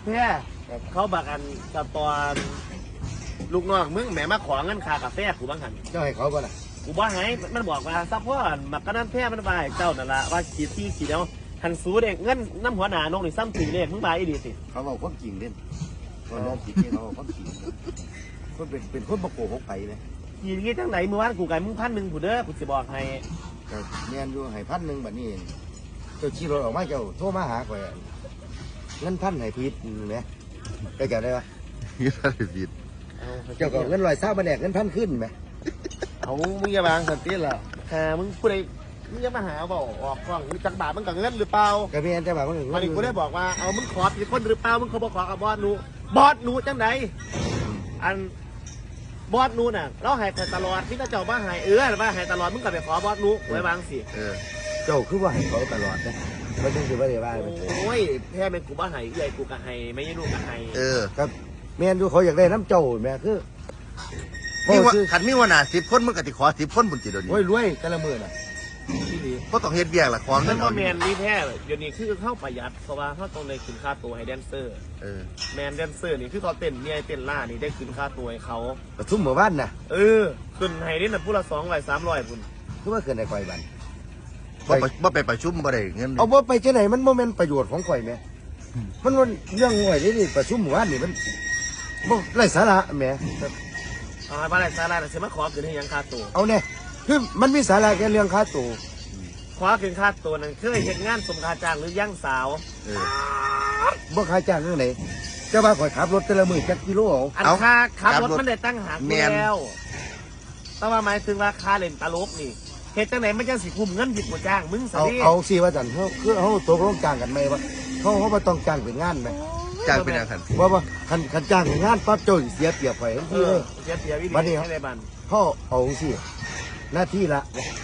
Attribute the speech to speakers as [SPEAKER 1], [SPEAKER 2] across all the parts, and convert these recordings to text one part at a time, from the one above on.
[SPEAKER 1] แพ้เขาบักอันกับตอนลูกน้องมึงแหมมาขอเงินค่ากาแฟกูบ้างหัน
[SPEAKER 2] เจ้าให้เขาบ่ล่ะ
[SPEAKER 1] กูบ้าไงมันบอกว่าซัพพอร์ตมักกะนั้นแพ้มันไปเจ้านั่นละว่าขีดแล้วหันสูเด็กเงินน้ำหัวหนานงนี่ซ้ำถึงเลขมึงไปอีดีสิ
[SPEAKER 2] เขาบอกความจริงเด่นคนนั้นจริงเขาบอกความจริงคนเป็นคนประโกหกไปเลย
[SPEAKER 1] ขีดจังไหนมือวานกูไก่มึง1,100ผู้เด้อกูจะบอกให้
[SPEAKER 2] ก็เนียนอยู่ให้1,000แบบนี้เจ้าขี่รถออกมาเจ้าโทรมาหาข่อยเงิน1,000ให้ผิดเนี่ยไปเกี่ยวได้ปะ
[SPEAKER 3] เงี้ยอะไรผิด
[SPEAKER 2] เจ้าก็เงิน120มาแดกเงิน1,000ขึ้นไหม
[SPEAKER 1] เอามึงอย่าบางสันติล่ะมึงผู้ใดมึงอย่ามาหาบอกออกกล้องมึงจักบาทมึงกับเงินหรือเปล่า
[SPEAKER 2] ก็มีอันจะบอกว่า
[SPEAKER 1] วันนี้กูได้บอกว่าเอามึงขอผิดคนหรือเปล่ามึงเขาบอกขอกับบอสหนูจังไหนอันบอสหนูน่ะเราให้ตลอดที่เจ้าบ้าให้ว่าให้ตลอดมึงกลับไปขอบอสหนูไว้บางสิ
[SPEAKER 2] เจ้าคือว่าให้เขาตลอดนะไม่ต้องคือว่าเดี๋ยวว่า
[SPEAKER 1] โอ้ยแพ้เป็นกูบ้าให้ใหญ่กูกะให้ไม่ใช่ลูกกะให้
[SPEAKER 2] ครับแม่นดูเขาอยากได้น้ำเจ้าแม่คือ
[SPEAKER 3] มีว่าขันมีว่าหนา10 คนมึงกติขอ10 คนบุญจิตเดี๋ยวนี้
[SPEAKER 2] โอ้ยรวยแต่ละมือน่ะที่ดี
[SPEAKER 3] ก็ต้องเฮ็ดเบี้ยละของ
[SPEAKER 1] นั่
[SPEAKER 3] เงิ
[SPEAKER 1] น
[SPEAKER 3] น
[SPEAKER 1] ก็
[SPEAKER 3] เอา
[SPEAKER 1] แมนนี่แพ้เดี๋ยวนี้คือเข้าประหยัดเพราะว่าเขาต้องได้คืนค่าตัวให้แดนเซอร์แมนแดนเซอร์นี่คือเขาเต้นเนี่ยเต้นล่านี่ได้คืนค่าตัวให้เขา
[SPEAKER 2] ประชุมหมู่บ้านน่ะ
[SPEAKER 1] ขึ้นให้นี่น่ะผู้ละ200-300พุ่น
[SPEAKER 2] คือว่าเกินในข่อยบัน
[SPEAKER 3] บ่ไปประชุมบ่ได้เงิน
[SPEAKER 2] เอาบ่ไปเจ้าไหนมันโมเมนต์ประโยชน์ของข่อยแม่มันเรื่องง่อยนี่ประชุมหมู่บ้านนี่มันบ่ไร้สาระแม่
[SPEAKER 1] เอาให้บ้านไรซาร่าเสียมาขอคืนให้ยังค่าตัว
[SPEAKER 2] เอาเนี่ยคือมันมีสาระแค่เรื่องค่าตัว
[SPEAKER 1] ขอคืนค่าตัวนั้นเคยเห็นงานสมคาจ้างหรือย่างสาว
[SPEAKER 2] บ่ค่าจ้างเรื่องไหนเจ้าว่าข่อยขับรถแต่ละมื้อจักกิโลเอา
[SPEAKER 1] อันค่าขับรถมันได้ตั้งหากแล้วแต่ว่าหมายถึงว่าค่าเล่นตลกนี่เหตุจังไหนมันจะสิคุมเงินผิดกว่าจ้างมึงสิ
[SPEAKER 2] เอาสิว่าจันเขาคือเขาตกลงจ้างกันไหมวะเขาบ่ต้องจ้างเป็นงานไหม
[SPEAKER 3] จ้างเป็นอย่างคัน
[SPEAKER 2] ว่าคันจ้างเป็นงานปั๊บเจ้าเสียเปรียบข่อยทันทีเลย
[SPEAKER 1] เสียวิ
[SPEAKER 2] วันนี้
[SPEAKER 1] ธีให้ได้บัน
[SPEAKER 2] เขาเอาสิหน้าที่ละ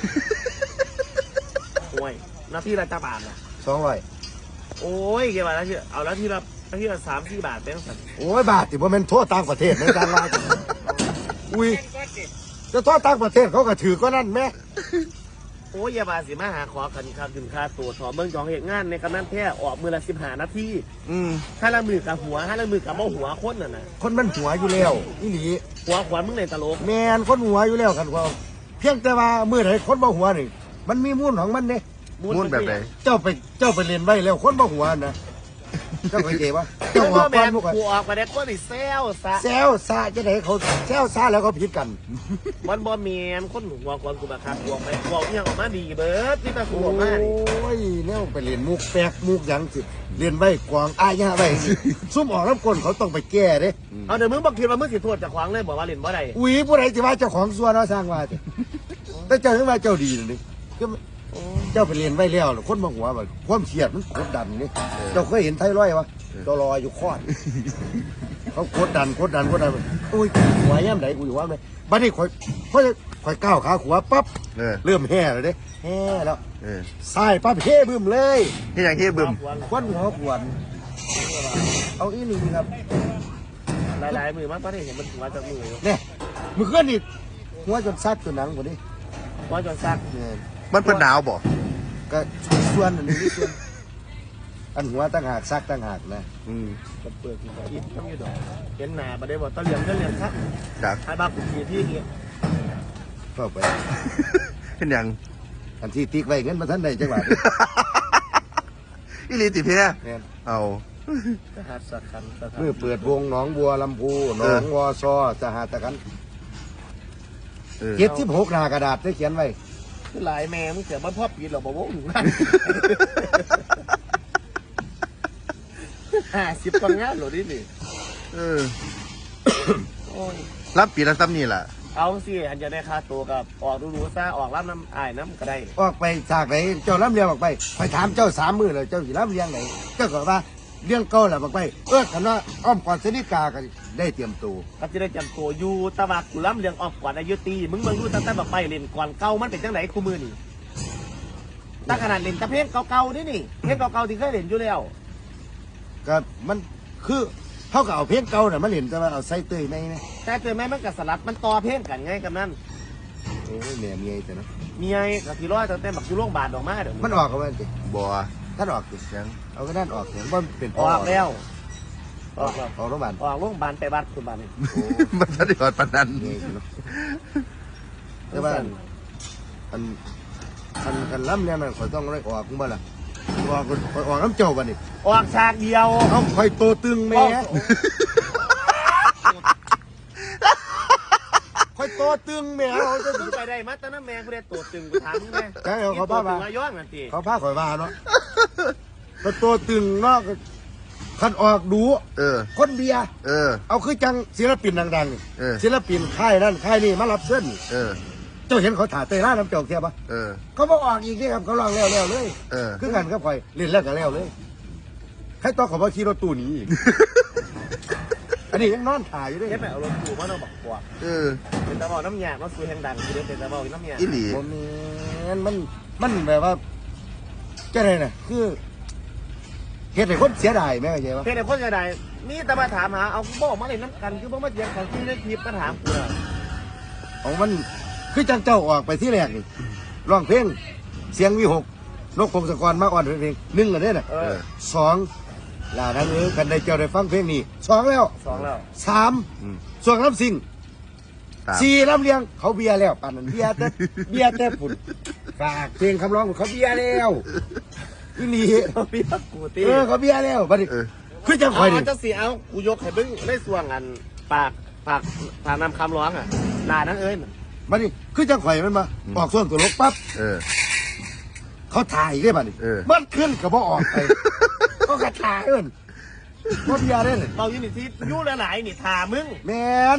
[SPEAKER 1] ห่วยหน้าที่ละจ้าบาทนะ
[SPEAKER 2] 200
[SPEAKER 1] โอ้ยเกี่ยวกับแล้วที่เอาแล้วที่ละ3-4 บาทเป็นสัน
[SPEAKER 2] โอ้ยบาทที่บ่แม่นโทษต่างประเทศในต่างราชอุ้ยจะโทษต่างประเทศเขาก็ถือก็นั่นแม่
[SPEAKER 1] โอ้ยอย่าบาสิมาหาขอกันค่าถึงค่าตัวถอเบิ่งจองเหตุงานในกำนันแท้ออกมือละ15 นาทีห้าละมือกับหัวห้าละมือกับเบ้าหัวคนน่ะนะ
[SPEAKER 2] คนมันหัวอยู่แล้วอีหลี
[SPEAKER 1] หัวขวานมึงในตลก
[SPEAKER 2] แม่นคนหัวอยู่แล้วกันว่าเพียงแต่ว่ามื้อไหนคนบ่หัวนี่มันมีมูลของมันเด้
[SPEAKER 3] มุ่นแบบไหน
[SPEAKER 2] เจ้าไปเรียนไว้แล้วคนบ่หัวนะเจ้าเข้าใจปะ
[SPEAKER 1] เจ้า
[SPEAKER 2] เจ้าออก
[SPEAKER 1] แม
[SPEAKER 2] ก่อน
[SPEAKER 1] น
[SPEAKER 2] พวก
[SPEAKER 1] กูออกมาได้คนที่แซวซะ
[SPEAKER 2] แซวซาจะไหนเขาแซวซาแล้วเขาผิดกัน
[SPEAKER 1] มันบ่แมนคนหัวก่อนกูมาคักหัวไปหัวยังออกมาดีเบิร์ดนี่ตากู
[SPEAKER 2] โอ้
[SPEAKER 1] ออกมานี่
[SPEAKER 2] ยเนี่ยไปเรียนมุกแปลกมุกหยังสิเรียนไว้กวางอายาไว้สิซุ่มออกน้ำก้นเขาต้องไปแก้เด้
[SPEAKER 1] เอาเดี๋ยวมึงบอกคิดว่ามึงสิโทษจากขวางเลยบอกว่าเล่นบ่ได้
[SPEAKER 2] อุ้ยผู้ใดจะว่าเจ้าของส่วนเราสร้างว่าสิแต่เจ้าถึงว่าเจ้าดีนี่ก็เจ้าไปเรียนไว้แล้วคนมาหัวแบบความเครียดมันกดดันนี่เจ้าเคยเห็นไทรอยวะเจ้ารออยู่คอดเขากดดันอุ้ยหัวย่ำไหนกูอยู่ว่าไหมบัดนี้ค่อยก้าวขาขวาปั๊บเริ่มแห่เลยเด้แห่แล้วสายปั๊บเฮ่บึ้มเลย
[SPEAKER 3] ที่อย่างที่บึม
[SPEAKER 2] ควันหัวขวนเอาอีนี่ครับ
[SPEAKER 1] หลายๆมือมากตอนนี้เห็นมันหัวจากมืออยู่
[SPEAKER 2] เนี่ยมือเคลื่อนนี่หัวจนซัดจนหนังกว่านี้
[SPEAKER 1] หัวจนซัก
[SPEAKER 2] เนี่ย
[SPEAKER 3] มันเป็นหนาวบ่
[SPEAKER 2] ก็ส่วนอันนี้ส่วนอันหัวตั้งหากซักตั้งหากนะ
[SPEAKER 1] กับเปลือกกินอิดต้องอยู่ดอกเห็นหนาบ่ได้บอกตะเหลี่ยมครับ
[SPEAKER 3] จาก
[SPEAKER 1] ให้บ้ากูทีที่นี้
[SPEAKER 2] เข้าไป
[SPEAKER 3] เป็นอย่าง
[SPEAKER 2] อันที่ติ๊กไว้เงินมาท่านใดจังหวัด
[SPEAKER 3] อีหลีติเพีย
[SPEAKER 2] เนี่ย
[SPEAKER 3] เอา
[SPEAKER 1] สหัสขันสถาน
[SPEAKER 2] เมื่อเปิดวงหนองบัวลำพูหนองวอซอสหตะกัน76 หน้ากระดาษได้เขียนไว้
[SPEAKER 1] หลายแม่มึงเสียบ้านพ่อปีหรอบอกว่าหนูนั่น50 กว่างานหรอนี่นี่โอ้ย
[SPEAKER 3] รับปีละซ้ำนี่แหละ
[SPEAKER 1] เอาสิอันจะได้ค่าตัวกับออกดูๆซะออกรับน้ำอายน้ำก็ได้
[SPEAKER 2] ออกไปจากไหนเจ้าล้ำเลียงออกไปถามเจ้า3 มื้อเลยเจ้าสิล้ำเลียงไหนเจ้าก็ว่าเลี้ยงเก่าแหละบอกไปคันว่าอ้อมก่อนสนิกาก็ได้เตรียมตัว
[SPEAKER 1] ก็จะได้จำตัวอยู่ตะวักกูล้ำเลียงออกก่อนอายุตีมึงเบิ่งดูตั้งแต่แบบไปเล่นก่อนเก่ามันเป็นจังไหนคู่มือนี่ตั้งขนาดเล่นตะเพลงเก่าๆนี่เพลงเก่าๆที่เคยเล่นอยู่แล้ว
[SPEAKER 2] ก็มันคือเขาก็เอาเพลงเก่าน่ะมาเล่นแต่ว่าเอาใส่เตยในนะ
[SPEAKER 1] แต่เจอแม่มันกับสลัดมันต่อเพลงกันไงกับนั่น
[SPEAKER 2] โอ้ยแม่เมียแต่เนาะ
[SPEAKER 1] มีไอ้กับที่ร้อยตั้งแต่แบบอยู่โรงพยาบาลออกมาเดี๋ยว
[SPEAKER 2] มันออกกันมันสิ
[SPEAKER 3] บ่
[SPEAKER 2] ท่านออกสิ
[SPEAKER 3] ยัง
[SPEAKER 2] เอาก็นั่นออกเสียงว่าเป็น
[SPEAKER 1] ออกแล้วออกแล้ว
[SPEAKER 2] ออกโรงพยาบาล
[SPEAKER 1] ออกโรงพยาบาลไปวัดคุณบ้านนี่
[SPEAKER 3] มันจะได้กอดปานนั้น
[SPEAKER 2] นี่เนาะแต่ว่าอันล้ำเนี่ยมันข่อยต้องได้ออกมึงบ่ล่ะออกน้ำเจ้าบ่นี่
[SPEAKER 1] ออกฉากเดียว
[SPEAKER 2] เอาข่อยโตตึงแม่ข่อยโตตึงแม่เอาจะ
[SPEAKER 1] มึงไปได้มาตอนนั้นแม่กูได้ตัวตึงกูถามมึงไง
[SPEAKER 2] ใช่เอาเขาบ้ามา
[SPEAKER 1] ตัวตึงย้อนนั่นที
[SPEAKER 2] เขาพาข่อยว่าเนาะข่อยโตตึงเนาะคันออกดู คนเบียร์ เอาคือจังศิลปินดังๆศิลปินค่ายนั่นค่ายนี่มารับเส้นเจ้าเห็นเขาถ่ายเตยล่าน้ำเจ้าเทียบปะเขาบอกออกอีกนี่ครับเขาลองแล้วเลยคือกันก็คอยเล่นแล้วก็แล้วเลยให้ต่อขอว่าขี่รถตู้หนี้อีกอันนี้ยังนอนถ่ายอยู่ด้วย
[SPEAKER 1] แค่แบบเอารถกูมาต้องบอกกว่าเป็นตะบอกน้ำยามาซื้อแห่งดังคือเป็นตะบอกน้ำยา
[SPEAKER 3] อีหลี
[SPEAKER 2] มันแบบว่าจะไรน่ะคือเหตุไหนคนเสียดายไหมเข้าใจปะ
[SPEAKER 1] เพื่อนจะได้นี่ตะมาถามหาเอาบอกมาเลยน้ำกันคือบอกมาเจียงของที่ได้คลิปมาถามกู
[SPEAKER 2] ของมันคือจังเจ้าออกไปที่แรกนี่ร้องเพลงเสียงวิหกนกพงศกรมาอ่อนเพลงหนึ่งอันนี้น่ะสองลาทั้งนี้กันได้เจ้าได้ฟังเพลงนี้สองแล้ว
[SPEAKER 1] สองแล้ว
[SPEAKER 2] สามส่วนลำซิงสี่ลำเลียงเขาเบียร์แล้วป่านนั้นเบียร์แต่ฝุ่นฝากเพลงคำร้องเขาเบียร์แล้วที่นี่
[SPEAKER 1] พี่กูตี
[SPEAKER 2] เขาเบียร์แล้วบัดนี้คือจะคอยดิ
[SPEAKER 1] จะเสียเอากูยกให้บึ้งได้ส่วงอันปากนำคำร้องอ่ะนานั้นเอ้ย
[SPEAKER 2] บัดนี้คือจะคอยมันมาออกส่วนตัวลบปั๊บเขาถ่ายได้บัดนี้มันขึ้นกับว่าออกไปก็กระถ่ายมันว่าเบียร์ได้เลย
[SPEAKER 1] เราอยู่นี่ที่ยู่หลายๆนี่ถามึง
[SPEAKER 2] แมน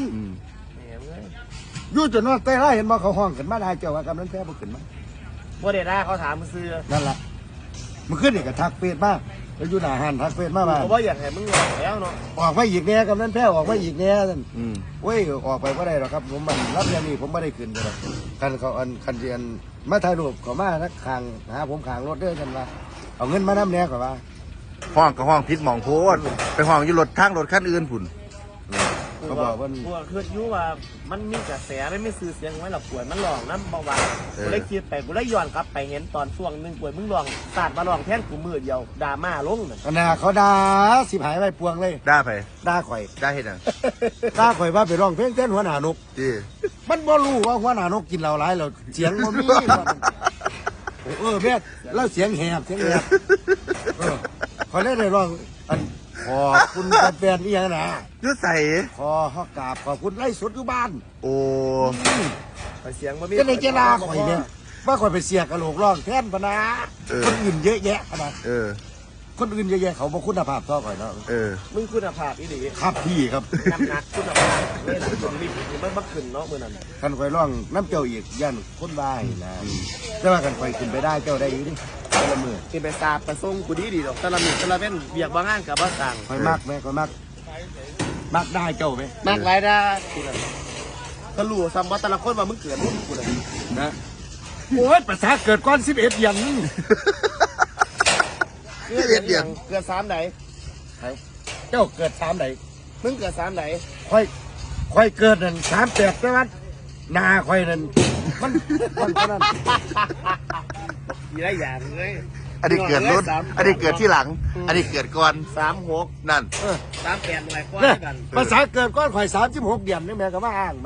[SPEAKER 2] ยู่จนว่าเต้ไล่เห็นมาเขาห้องขึ้นมาได้เจ้าว่ากำนันแพ้บ่ขึ้นมา
[SPEAKER 1] ว่าเดด้าเขาถามมึงซื้อ
[SPEAKER 2] นั่นแหละมันขึ้นอีกกับทักเฟซมากแล้วอยู่หน้าหันทักเฟซมาก
[SPEAKER 1] เพราะว่าอยากให้มึงรอแล้วเนาะ
[SPEAKER 2] ออกไปอีกแน่กำนันแพ้ออกไปอีกแน่ท่านเว้ยออกไปก็ได้หรอกครับผมมันรับยามีผมไม่ได้ขึ้นเลยกันเขาคันเรียนมาถ่ายรูปเขามานักขางหาผมขางรถเด้อกันว่าเอาเงินมาน้ำแน่ก่อนว่า
[SPEAKER 3] ห้องกับห้องพิษหมองโพดไปห้องอยู่รถทางรถคันอื่นผุน
[SPEAKER 2] เขาบอกว่า
[SPEAKER 1] กูคือยูว่ามันมีกระแสไม่ซื้อเสียงไว้หรอกป่วยมันหลองน้ำเบาหวานกูเลยคิดไปกูเลยย้อนกลับไปเห็นตอนช่วงหนึ่งป่วยมึงลองสาดมาลองแท่นกูมือเดียวดราม่าลงน่ะ
[SPEAKER 2] ขณะเขาด่าสิบหายไปปวงเลย
[SPEAKER 3] ได้ไป
[SPEAKER 2] ด่าข่อย
[SPEAKER 3] ได้เห็นอ่ะ
[SPEAKER 2] ด่าข่อยว่าไปร้องเพลงเต้นหัวหน้านก
[SPEAKER 3] ดี
[SPEAKER 2] มันบ่รู้ว่าหัวหน้านกกินเหล้าหลายแล้วเสียงมันมีแม่แล้วเสียงแหบเขาได้ร้องอันขอบคุณแฟนๆนี่ยังนะ
[SPEAKER 3] ยุดใส่
[SPEAKER 2] ขอกราบขอบคุณไล่สดอยู่บ้าน
[SPEAKER 3] โอ้
[SPEAKER 1] ไปเสียงมันมี
[SPEAKER 2] ก็ในเจลาข่อยเนี่ยว่าข่อยไปเสียกระโหลกร้องแทนปะนะคนอื่นเยอะแยะขนาดคนอื่นเยอะแยะเขาบอกคุณภาพต่อข่อยเนาะ
[SPEAKER 1] มึงคุณภาพอีหลี
[SPEAKER 2] ครับพี่ครับ
[SPEAKER 1] น้ำหนักคุณภาพนี่แหละจนรีบมันบักขึ้นเนาะมือนั้น
[SPEAKER 2] คันข่อยร้องน้ำเจ้าอีกย่านคนบ้ายนะแต่ว่ากันข่อยขึ้นไปได้เจ้าได้อยู่ดิแต่ละมือ
[SPEAKER 1] กินไปสาบไปส่งกูดีดอกแต่ละมื้อแต่ละเว้นเบียกบางงานกับบ้าต่าง
[SPEAKER 2] ข่อยมักไหมข่อยมักได้เจ้าไหม
[SPEAKER 1] มากหลายได้ทีละก็รู้ซ้ำว่าแต่ละคนว่ามึงเกิดรุ่นกูเลย
[SPEAKER 2] นะโอ้ยภาษาเกิดก้อน11เดือน
[SPEAKER 1] เกิด3ไหน
[SPEAKER 2] เจ้าเกิด3ไหน
[SPEAKER 1] มึงเกิด3ไหน
[SPEAKER 2] ค่อยเกิดนั่น38แต่ว่าหน้าค่อยนั่นมันเท่านั้น
[SPEAKER 1] มีหลายอย่างเลย
[SPEAKER 3] อันนี้เกิดรถอันนี้เกิดที่หลัง อันนี้เกิดก่อน
[SPEAKER 1] 36
[SPEAKER 3] นั่น
[SPEAKER 1] 38หลายกว่า
[SPEAKER 2] เนี่ย
[SPEAKER 1] กัน
[SPEAKER 2] ภาษาเกิดก้อนข่อย36เดือนนี่แม่ก็มาอ้างมา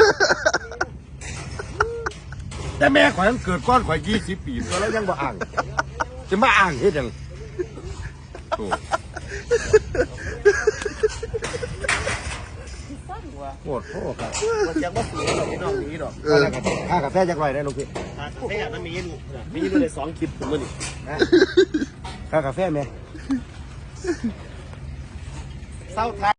[SPEAKER 2] แต่แม่ข่อยมันเกิดก้อนข่อย20 ปีตัวแล้วยังบ่อ้างจะมาอ้างเฮ็ดหยังโอ้โหดโทษครับ
[SPEAKER 1] มันยังว่าฝืนหรอกพี่น้องนี้หรอก
[SPEAKER 2] ค่ากาแฟจักไรได้ลูกพี่
[SPEAKER 1] ไม่อยากมันมีอยู่ใน2คลิปผมมึงนี่
[SPEAKER 2] ค่ากาแฟไหม
[SPEAKER 1] เศร้าท้าย